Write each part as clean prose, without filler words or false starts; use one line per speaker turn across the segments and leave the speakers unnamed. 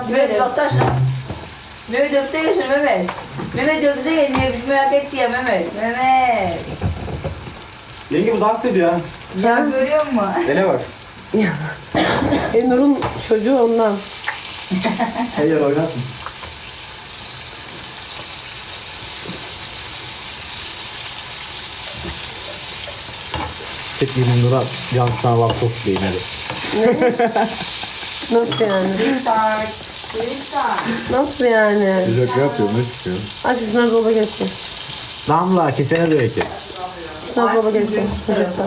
Mehmet yaklaşma. Mehmet öpte geçin Mehmet. Mehmet öpte geçin ya biz merak etti ya Mehmet. Mehmet.
Yenge bu dans ediyor ha.
Ya görüyor musun?
Dene bak.
Nur'un çocuğu ondan.
Her yer oynasın.
Çekmeyin Nur'a yansıtan laptop değil hadi.
Nasıl yani?
Lütfen. Lütfen.
Nasıl yani?
Güzel yapıyor ne çıkıyor?
Aç şunları dolaba geçsin.
Damla kesene de eki.
Şunları dolaba geçsin. Çocuklar.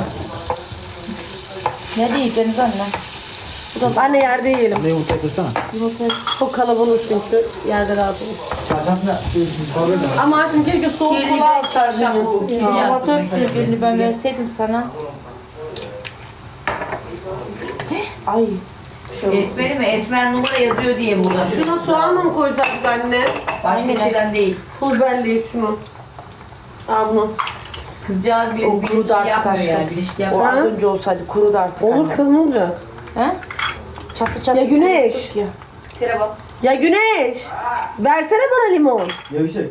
Ne diyeceksiniz anne?
Anne yerde yiyelim.
Ne yumurta kırsana.
Çok kalabalık çünkü yerde rahat olur. Ama artık keşke soğuk
Kirli
kola
de çarşaf bu. Kirli
alsaydın.
yaptım mesela.
Birini ben verseydim sana. Ay.
Esmer'i mi? Esmer numara yazıyor diye burada.
Şuna soğanla mı koysaydık anne?
Başka bir şeyden değil.
Pul biberli şunu. Al bunu.
Kızcağız bir
O kurudu artık
yapmıyor
aşkım.
yani. Bir ilişki
O
yapmıyor.
az önce olsaydı kurudu artık.
Olur
anne.
kız ne olacak?
He? Çatı çatı.
Ya Güneş.
kuruttuk ya.
Sıra bak.
Ya Güneş. Versene bana limon.
Yavşak.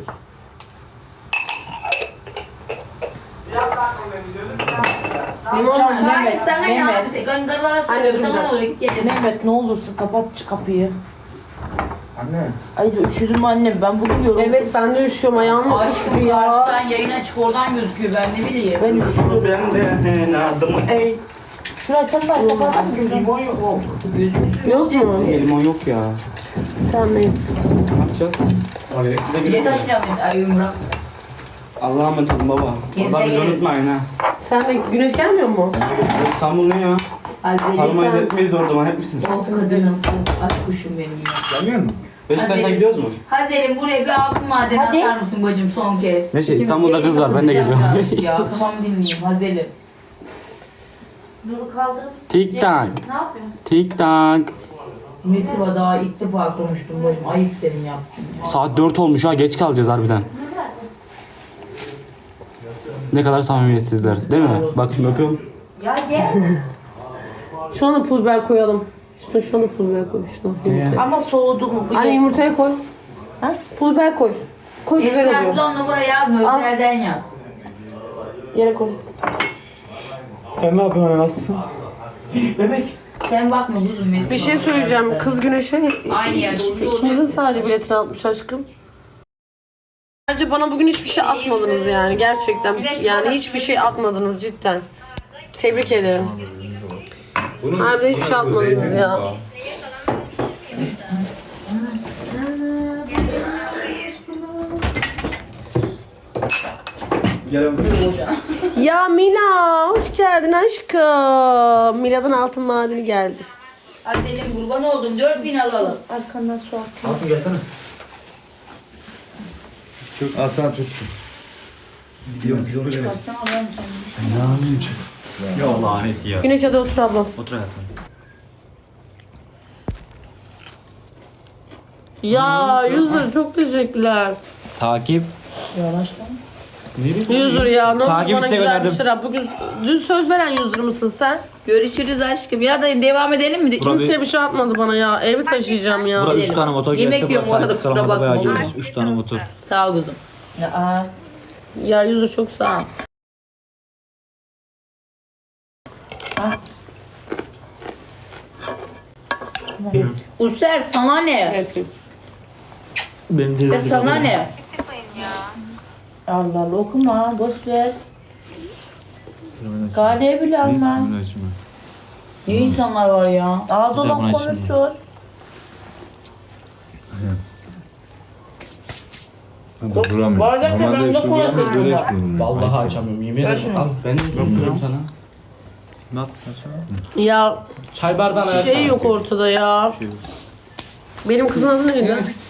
Limon ver.
Şahin sana ne
Mehmet.
yapıyorsun? Gönderlara
Anne,
söylüyorum.
dur
Sana
bir
ne oluyor? Git yerine.
Mehmet ne olursun kapat şu kapıyı.
Anne.
Ay üşüdüm annem ben bugün yoruldum.
Evet ben de üşüyorum ayağım
Ay
üşüdü
şu
ya.
karşıdan yayın açık oradan gözüküyor ben ne bileyim.
Ben üşüdüm.
Ben de aldım. Ey.
Şurayı sen bak kapatır mısın?
Limon yok mu?
Yok mu?
Limon yok ya.
Tamam neyse.
Ne yapacağız? Abi size
Bir de taşınıyor muyuz? Ay Ümran.
Allah'a emanet olun baba.
Gezme
Allah bizi
gelin.
unutmayın ha.
Sen de Güneş gelmiyor mu?
İstanbul ne ya?
Hazreti
Parmayı etmeyiz orada zaman hep misiniz?
o kadının aşk kuşum benim ya.
Gelmiyor mu? Beşiktaş'a
Hadi.
gidiyoruz mu?
Hazerim buraya bir altın madeni
Hadi.
atar mısın bacım son kez?
Neyse,
İkimiz
İstanbul'da
bir
kız var, ben de
kapatacağım
geliyorum.
ya tamam dinleyeyim Hazerim. Nur'u kaldırır mısın?
Tik tak.
Ne yapıyorsun?
Tik tak.
Mesiva daha ilk defa konuştum bacım. Ayıp senin yaptın ya.
Saat 4 olmuş ha, geç kalacağız harbiden. Ne kadar samimiyetsizler değil mi? Bak şimdi öpüyorum.
Ya gel.
Şuna da pul biber koyalım. Şuna da pul biber koy. Şuna yumurtaya.
Ama soğudu mu?
Anne yumurtaya koy.
Ha?
Pul biber koy. Koy güzel
Esmer
oluyor.
buradan numara yazma.
Al.
Özelden yaz.
Yere koy.
Sen ne yapıyorsun nasılsın?
Bebek.
Sen bakma kuzum Mesiva.
Bir şey söyleyeceğim. Kız Güneş'e
Aynı yer. Şimdi
ikimizin sadece biletini atmış aşkım. Bence bana bugün hiçbir şey atmadınız yani gerçekten. Yani hiçbir şey atmadınız cidden. Tebrik ederim. Harbiden hiçbir şey atmadınız ya. Ya Mila hoş geldin aşkım. Mila'dan altın madeni geldi.
Hazerim kurban oldum. 4000 alalım.
Arkandan su at.
Hatun gelsene.
Çok aslan tut.
Yok biz onu gelelim.
Ya lanet ya.
Güneş hadi otur ablam.
Otur hayatım.
Ya Yüzür çok teşekkürler.
Takip.
Yüzür ya ne oldu
Takip
bana
isteği
güzel bir
gönderdim.
sıra. Bugün dün söz veren Yüzür mısın sen?
Görüşürüz aşkım. Ya da devam edelim mi?
Kimse bir şey atmadı bana ya. Evi taşıyacağım ya.
Bura 3 tane motor
Yemek
gelse
yiyorum,
burası
orada
sanki
kusura
sıralamada bayağı
bakma, olur
görürüz. 3 tane motor.
Sağ ol kuzum.
Ya,
Ya Yüzür çok sağ ol.
User sana ne?
Öpeyim.
Benim de
Sana ne?
Allah Allah okuma boş ver. Galiba bile alma.
Ne insanlar var ya?
Ağız
Bir de
olan
buna
konuşur.
Bardakta ben de kola seviyorum.
Vallahi açamıyorum yemin ederim. Al ben de yapıyorum sana.
Ya
Çay bardağına
şey yok ortada ya. Benim kızın adı neydi?